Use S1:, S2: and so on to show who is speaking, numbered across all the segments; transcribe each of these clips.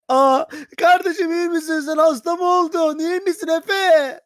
S1: Aa, kardeşim iyi misin sen? Hasta mı oldun? İyi misin Efe?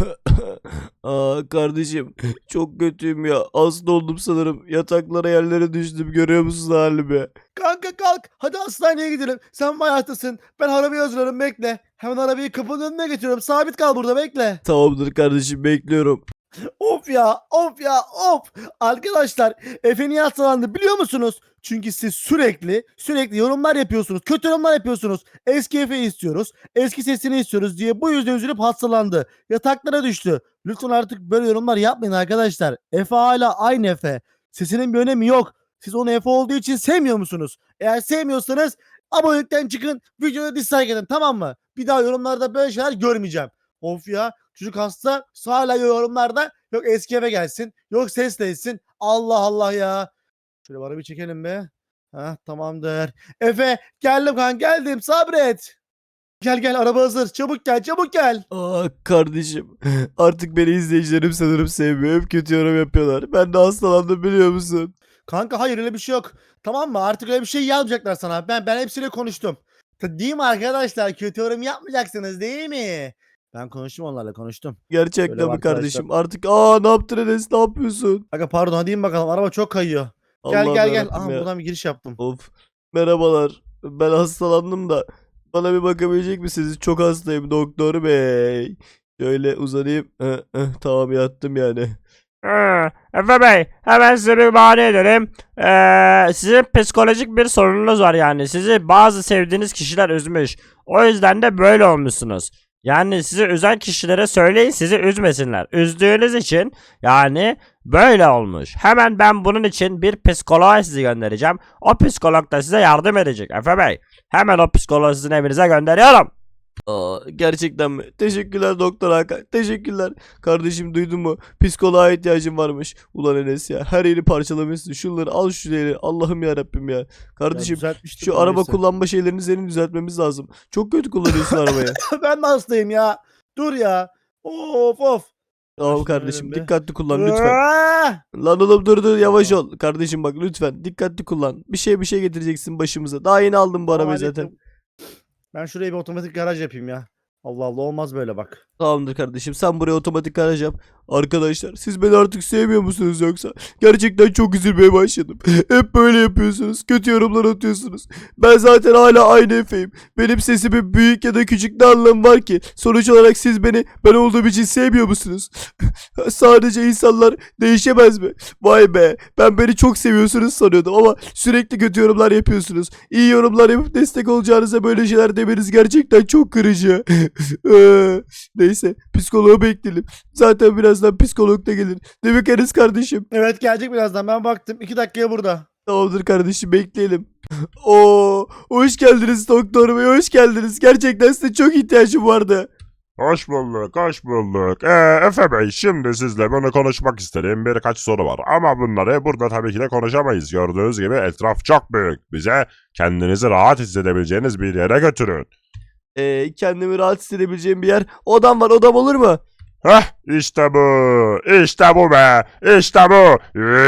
S2: Kardeşim çok kötüyüm ya. Hasta oldum sanırım. Yataklara yerlere düştüm. Görüyor musun halimi?
S1: Kanka kalk. Hadi hastaneye gidelim. Sen bayağı hastasın. Ben arabayı hazırlarım bekle. Hemen arabayı kapının önüne getiriyorum. Sabit kal burada bekle.
S2: Tamamdır kardeşim, bekliyorum.
S1: Of ya, of ya, of. Arkadaşlar, Efe niye hastalandı biliyor musunuz? Çünkü siz sürekli yorumlar yapıyorsunuz. Kötü yorumlar yapıyorsunuz. Eski Efe'yi istiyoruz. Eski sesini istiyoruz diye bu yüzden üzülüp hastalandı. Yataklara düştü. Lütfen artık böyle yorumlar yapmayın arkadaşlar. Efe hala aynı Efe. Sesinin bir önemi yok. Siz onu Efe olduğu için sevmiyor musunuz? Eğer sevmiyorsanız abonelikten çıkın. Videoya dislike edin, tamam mı? Bir daha yorumlarda böyle şeyler görmeyeceğim. Of ya. Çocuk hasta hala yorumlarda yok eski eve gelsin yok ses değilsin. Allah Allah ya. Şöyle bana bir çekelim be. Ha tamamdır. Efe geldim kan geldim sabret. Gel gel araba hazır çabuk gel çabuk gel.
S2: Kardeşim artık beni izleyicilerim sanırım sevmiyor. Hep kötü yorum yapıyorlar. Ben de hastalandım, biliyor musun?
S1: Kanka hayır öyle bir şey yok. Tamam mı artık öyle bir şey yazmayacaklar sana. Ben hepsiyle konuştum. Değil mi arkadaşlar kötü yorum yapmayacaksınız değil mi? Ben konuştum onlarla konuştum. Şöyle
S2: Gerçekten mi
S1: arkadaşlar.
S2: kardeşim? Artık ne yaptın Enes, ne yapıyorsun?
S1: Kanka pardon hadi in bakalım araba çok kayıyor. Gel
S2: Allah'ım
S1: gel gel.
S2: yarabbim
S1: Aha
S2: ya.
S1: buradan bir giriş yaptım.
S2: Of. Merhabalar. Ben hastalandım da bana bir bakabilecek misiniz? Çok hastayım doktor bey. Şöyle uzanayım. Tamam, yattım yani.
S3: Efe Bey, hemen size bir bahane edelim. Sizin psikolojik bir sorununuz var yani. Sizi bazı sevdiğiniz kişiler üzmüş. O yüzden de böyle olmuşsunuz. Yani sizi üzen kişilere söyleyin, sizi üzmesinler. Üzdüğünüz için yani böyle olmuş. Hemen ben bunun için bir psikoloğa sizi göndereceğim. O psikolog da size yardım edecek Efe Bey. Hemen o psikoloğu sizin evinize gönderiyorum.
S2: Gerçekten mi? Teşekkürler Doktor Hakan. Teşekkürler. Kardeşim, duydun mu? Psikoloğa ihtiyacım varmış. Ulan Enes ya. Her yeri parçalamışsın. Şunları al, şu yeri. Allah'ım ya Rabbim ya.
S1: Ya
S2: Kardeşim,
S1: düzeltmiştim
S2: şu
S1: de
S2: araba
S1: neyse.
S2: kullanma şeylerini senin düzeltmemiz lazım. Çok kötü kullanıyorsun arabayı.
S1: Ben de hastayım ya. Dur ya. Of of.
S2: Tamam
S1: Şunu verelim
S2: kardeşim,
S1: be.
S2: dikkatli kullan lütfen.
S1: Ah!
S2: Lan oğlum, dur yavaş
S1: Tamam.
S2: ol. Kardeşim bak, lütfen dikkatli kullan. Bir şey getireceksin başımıza. Daha yeni aldım bu
S1: Tamam
S2: arabayı zaten.
S1: hallettim. Ben şuraya bir otomatik garaj yapayım ya. Allah Allah olmaz böyle bak.
S2: Tamamdır kardeşim, sen buraya otomatik garaj yap. Arkadaşlar, siz beni artık sevmiyor musunuz yoksa? Gerçekten çok üzülmeye başladım. Hep böyle yapıyorsunuz. Kötü yorumlar atıyorsunuz. Ben zaten hala aynı Efe'yim. Benim sesimin büyük ya da küçük ne anlamı var ki? Sonuç olarak siz beni ben olduğum için sevmiyor musunuz? Sadece insanlar değişemez mi? Vay be, ben beni çok seviyorsunuz sanıyordum ama sürekli kötü yorumlar yapıyorsunuz. İyi yorumlar yapıp destek olacağınıza böyle şeyler demeniz gerçekten çok kırıcı. Neyse, psikoloğu bekleyelim. Zaten birazdan psikolog da gelir. Değil mi Enes kardeşim?
S1: Evet gelecek birazdan ben baktım. 2 dakikaya burada.
S2: Tamamdır kardeşim, bekleyelim. Oo, hoş geldiniz doktor bey, hoş geldiniz. Gerçekten size çok ihtiyacım vardı.
S4: Hoş bulduk, hoş bulduk. Efe Bey, şimdi sizle bunu konuşmak istediğim birkaç soru var. Ama bunları burada tabii ki de konuşamayız. Gördüğünüz gibi etraf çok büyük. Bize kendinizi rahat hissedebileceğiniz bir yere götürün.
S2: Kendimi rahat hissedebileceğim bir yer. Odam var, odam olur mu?
S4: Heh, işte bu. İşte bu be. İşte bu.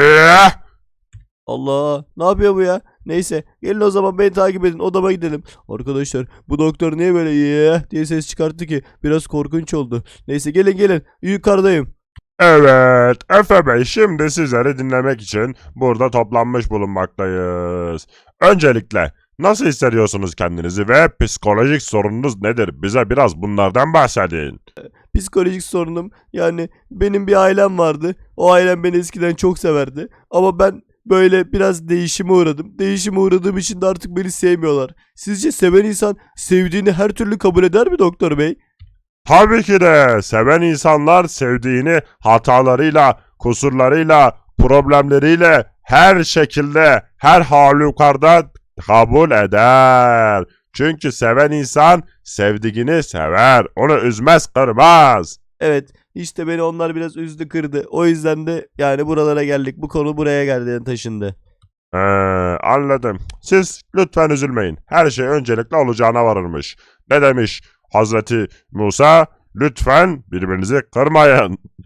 S2: Allah, ne yapıyor bu ya? Neyse, gelin o zaman beni takip edin, odama gidelim. Arkadaşlar, bu doktor niye böyle diye ses çıkarttı ki? Biraz korkunç oldu. Neyse, gelin yukarıdayım.
S4: Evet, Efe Bey, şimdi sizleri dinlemek için burada toplanmış bulunmaktayız. Öncelikle nasıl hissediyorsunuz kendinizi ve psikolojik sorununuz nedir? Bize biraz bunlardan bahsedin.
S2: Psikolojik sorunum, yani benim bir ailem vardı. O ailem beni eskiden çok severdi. Ama ben böyle biraz değişime uğradım. Değişime uğradığım için de artık beni sevmiyorlar. Sizce seven insan sevdiğini her türlü kabul eder mi doktor bey?
S4: Tabii ki de seven insanlar sevdiğini hatalarıyla, kusurlarıyla, problemleriyle her şekilde, her halükarda kabul eder. Çünkü seven insan sevdiğini sever, onu üzmez, kırmaz.
S2: Evet, işte beni onlar biraz üzdü, kırdı. O yüzden de yani buralara geldik. Bu konu buraya geldi, yani taşındı.
S4: Ee, Anladım. Siz lütfen üzülmeyin. Her şey öncelikle olacağına varırmış. Ne demiş Hazreti Musa? Lütfen birbirinizi kırmayın.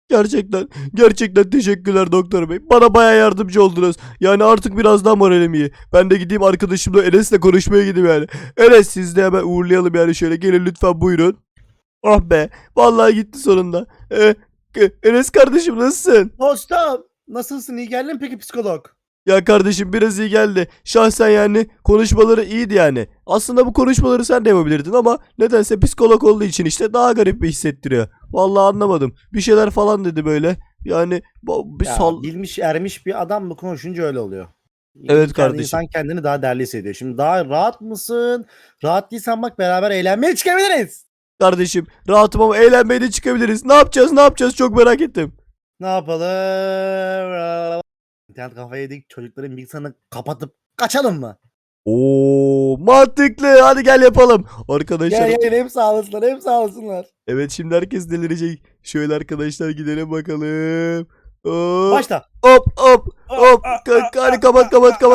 S2: Gerçekten teşekkürler doktor bey. Bana baya yardımcı oldunuz. Yani artık biraz daha moralim iyi. Ben de gideyim arkadaşımla Enes'le konuşmaya gideyim yani. Enes siz de hemen uğurlayalım yani şöyle. Gelin lütfen buyurun. Oh be. Vallahi gitti sonunda. Enes kardeşim nasılsın?
S1: Dostum nasılsın, iyi geldin mi peki psikolog?
S2: Ya kardeşim biraz iyi geldi. Şahsen yani konuşmaları iyiydi yani. Aslında bu konuşmaları sen de yapabilirdin ama nedense psikolog olduğu için işte daha garip bir hissettiriyor. Vallahi anlamadım. Bir şeyler falan dedi böyle. Yani bir
S1: Ya,
S2: sal...
S1: bilmiş ermiş bir adam mı konuşunca öyle oluyor.
S2: Evet kardeşim.
S1: İnsan kendini daha değerli hissediyor. Şimdi daha rahat mısın? Rahat değilsen bak beraber eğlenmeye çıkabiliriz.
S2: Kardeşim rahatım ama eğlenmeye de çıkabiliriz. Ne yapacağız çok merak ettim.
S1: Ne yapalım? İnternet kafayı yedik, çocukların bilgisayarını kapatıp kaçalım mı?
S2: Oo mantıklı, hadi gel yapalım. Arkadaşlar
S1: Gel hem sağ olasınlar hem sağ olasınlar.
S2: evet şimdi herkes delirecek. Şöyle arkadaşlar gidelim bakalım. Hop
S1: Başla.
S2: hop hop hop. Hadi kapat.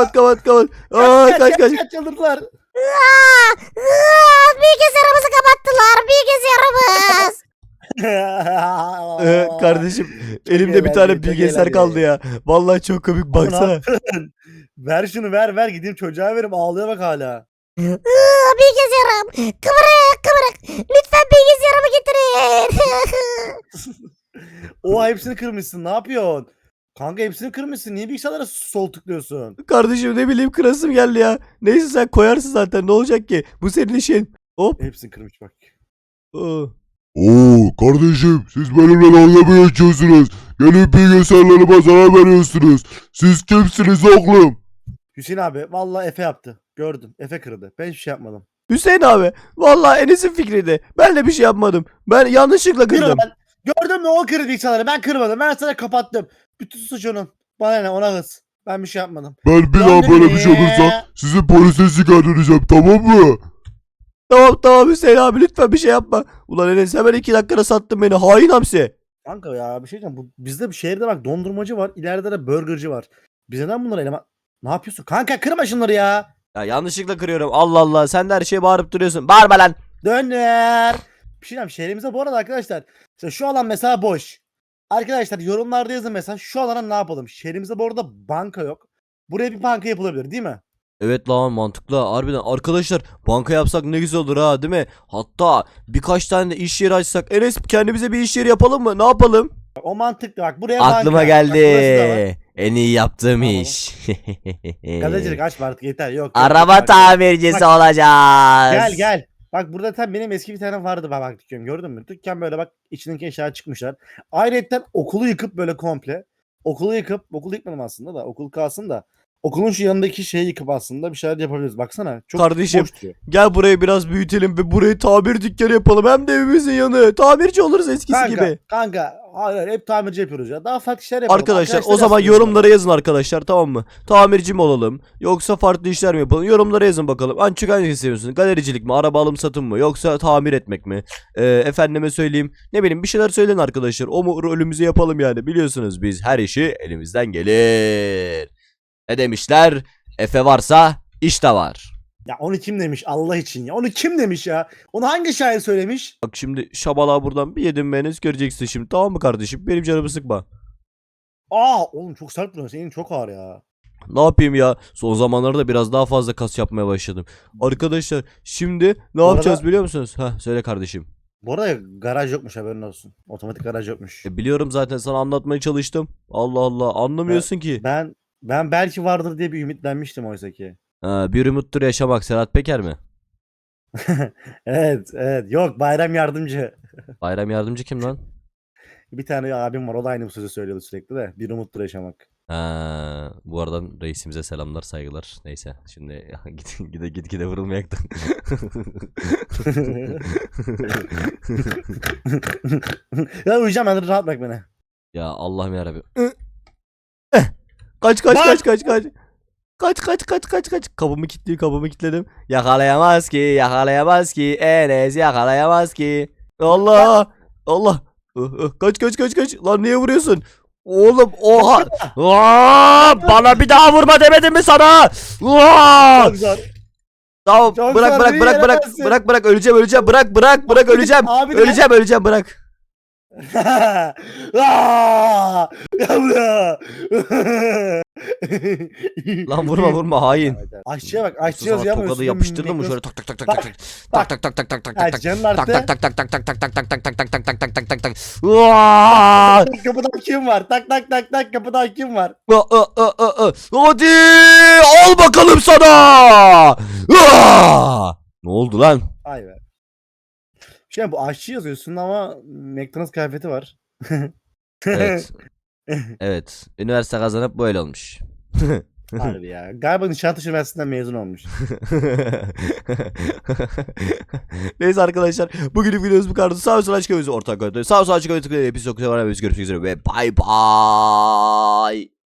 S2: Kaç.
S1: Çıldırdılar.
S5: Bilgisayarımızı kapattılar. Bilgisayarımız.
S2: Kardeşim
S1: Çok
S2: elimde bir tane
S1: eğlenceli, çok
S2: bilgisayar
S1: eğlenceli.
S2: kaldı ya. Vallahi çok komik
S1: Ama ne
S2: baksana.
S1: yaptın? Ver şunu ver gideyim çocuğa verim, ağlıyor bak hala.
S5: Bilgisayarım. Kıvırık. Lütfen bilgisayarımı getirin.
S1: O hepsini kırmışsın, ne yapıyorsun? Kanka hepsini kırmışsın, niye bilgisayarlara sol tıklıyorsun?
S2: Kardeşim ne bileyim kırasım geldi ya. Neyse sen koyarsın zaten ne olacak ki? Bu senin işin. Hop.
S1: Hepsini kırmış bak.
S2: Aa.
S4: Oo kardeşim siz benimle dalga mı geçiyorsunuz? Gelip bilgisayarlarıma zarar veriyorsunuz. Siz kimsiniz oğlum?
S1: Hüseyin abi vallahi Efe yaptı. Gördüm. Efe kırdı. Ben hiçbir şey yapmadım.
S2: Hüseyin abi. Vallahi Enes'in fikriydi. Ben de bir şey yapmadım. Ben yanlışlıkla
S1: Kırdı
S2: kırdım.
S1: ben. Gördün mü, o kırdı bilgisayarları. Ben kırmadım. Ben sana kapattım. Bütün suç onun. Bana ne, ona hız. Ben bir şey yapmadım.
S4: Ben bir daha böyle bir şey olursa sizi polise şikayet edeceğim tamam mı?
S2: Tamam Hüseyin abi lütfen bir şey yapma. Ulan Enes hemen 2 dakikada sattın beni. Hain hamsi.
S1: Kanka ya bir şey diyeceğim. Bizde bir şehirde bak dondurmacı var. İleride de burgerci var. Biz neden bunları eleman... Ne yapıyorsun? Kanka kırma şunları ya.
S2: Ya yanlışlıkla kırıyorum. Allah Allah sen de her şeye bağırıp duruyorsun. Bağırma lan.
S1: Döner. Bir şey diyeceğim. Şehrimizde bu arada arkadaşlar. Mesela şu alan mesela boş. Arkadaşlar yorumlarda yazın mesela şu alana ne yapalım? Şehrimizde bu arada banka yok. Buraya bir banka yapılabilir değil mi?
S2: Evet lan mantıklı harbiden arkadaşlar banka yapsak ne güzel olur ha değil mi? Hatta birkaç tane de iş yeri açsak. Enes kendimize bir iş yeri yapalım mı? Ne yapalım?
S1: Bak, o mantıklı bak buraya banka.
S2: Aklıma
S1: Bak,
S2: geldi.
S1: burası da var.
S2: En iyi yaptığım
S1: Tamam.
S2: iş.
S1: Gazetecilik açma artık yeter. Yok.
S2: Araba
S1: yok.
S2: tamircisi
S1: Bak,
S2: olacağız.
S1: Gel. Bak burada tam benim eski bir tane vardı bak dükkan, gördün mü? Dükkan böyle bak içindeki eşyalar çıkmışlar. Ayrıca okulu yıkıp böyle komple. Okulu yıkmadım aslında da okul kalsın da. Okulun şu yanındaki şeyi yıkıp aslında bir şeyler yapabiliriz. Baksana çok
S2: Kardeşim,
S1: boş duruyor.
S2: Gel burayı biraz büyütelim ve burayı tamir dükkanı yapalım. Hem de evimizin yanı. Tamirci oluruz eskisi gibi.
S1: Kanka hayır hep tamirci yapıyoruz ya. Daha farklı şeyler yapalım.
S2: Arkadaşlar o zaman
S1: yazsın
S2: yorumlara yazın arkadaşlar tamam mı? Tamirci mi olalım? Yoksa farklı işler mi yapalım? Yorumlara yazın bakalım. Ancak hangisini seviyorsunuz? Galericilik mi? Araba alım satım mı? Yoksa tamir etmek mi? Efendime söyleyeyim. Ne bileyim bir şeyler söyleyin arkadaşlar. O rolümüzü yapalım yani. Biliyorsunuz biz her işi elimizden gelir. Ne demişler? Efe varsa iş de var.
S1: Ya onu kim demiş Allah için ya? Onu kim demiş ya? Onu hangi şair söylemiş?
S2: Bak şimdi şabalağı buradan bir yedim beniz göreceksin şimdi tamam mı kardeşim? Benim canımı sıkma.
S1: Oğlum çok sert duruyor. Senin çok ağır ya.
S2: Ne yapayım ya? Son zamanlarda biraz daha fazla kas yapmaya başladım. Arkadaşlar şimdi ne
S1: Bu
S2: yapacağız
S1: arada-
S2: biliyor musunuz? Söyle kardeşim.
S1: Bu arada garaj yokmuş, haberin olsun. Otomatik garaj yokmuş.
S2: Biliyorum zaten sana anlatmaya çalıştım. Allah Allah anlamıyorsun ki.
S1: Ben belki vardır diye bir ümitlenmiştim oysa ki.
S2: Bir umuttur yaşamak Serhat Peker mi?
S1: Evet. Yok, Bayram Yardımcı.
S2: Bayram Yardımcı kim lan?
S1: Bir tane abim var, o da aynı bu sözü söylüyordu sürekli de. Bir umuttur yaşamak.
S2: Bu aradan reisimize selamlar saygılar. Neyse şimdi gide vurulmayak da.
S1: Ya uyuyacağım ben, rahat bırak beni.
S2: Ya Allah'ım yarabbim. Kaç. Kaç. Kapımı kilitledim. Yakalayamaz ki. Enes yakalayamaz ki. Allah. Kaç. Lan niye vuruyorsun? Oğlum oha.
S3: Bana bir daha vurma demedim mi sana? Aa!
S1: Çok zor.
S2: Tamam
S1: Çok
S2: bırak
S1: zor,
S2: bırak
S1: beni
S2: bırak
S1: yenemezsin.
S2: Bırak öleceğim. Bırak öleceğim bırak.
S1: Abi de-
S2: Öleceğim bırak.
S1: Aa! Gel buraya.
S2: Lan vurma hain.
S1: Aşçıya bak, aşçı
S2: Sana
S1: yazıyor ama
S2: tokadı
S1: üstünde
S2: yapıştırdın mı
S1: Mekros-
S2: şöyle tak tak tak tak
S1: Bak,
S2: tak tak tak tak tak tak tak
S1: Ha,
S2: tak
S1: canın
S2: tak
S1: arttı.
S2: tak tak tak tak tak tak tak tak tak tak tak tak tak tak tak tak tak. Uaa!
S1: Kapıdan kim var? Tak tak tak tak, kapıdan kim var?
S2: Hadi al bakalım sana. Ne oldu lan?
S1: Ay be. Şey, bu aşçı yazıyorsun ama McDonald's kıyafeti var.
S2: Evet. Evet. Üniversite kazanıp böyle olmuş.
S1: Harbi ya. Galiba Nişantaşı Üniversitesi'nden mezun olmuş.
S2: Neyse arkadaşlar. Bugünün videomuz bu kadar. Sağ olsun açık ortak. Sağ olsun açık tıklayın. Hepinizi çok seviyorum. Görüşmek üzere ve bay bay.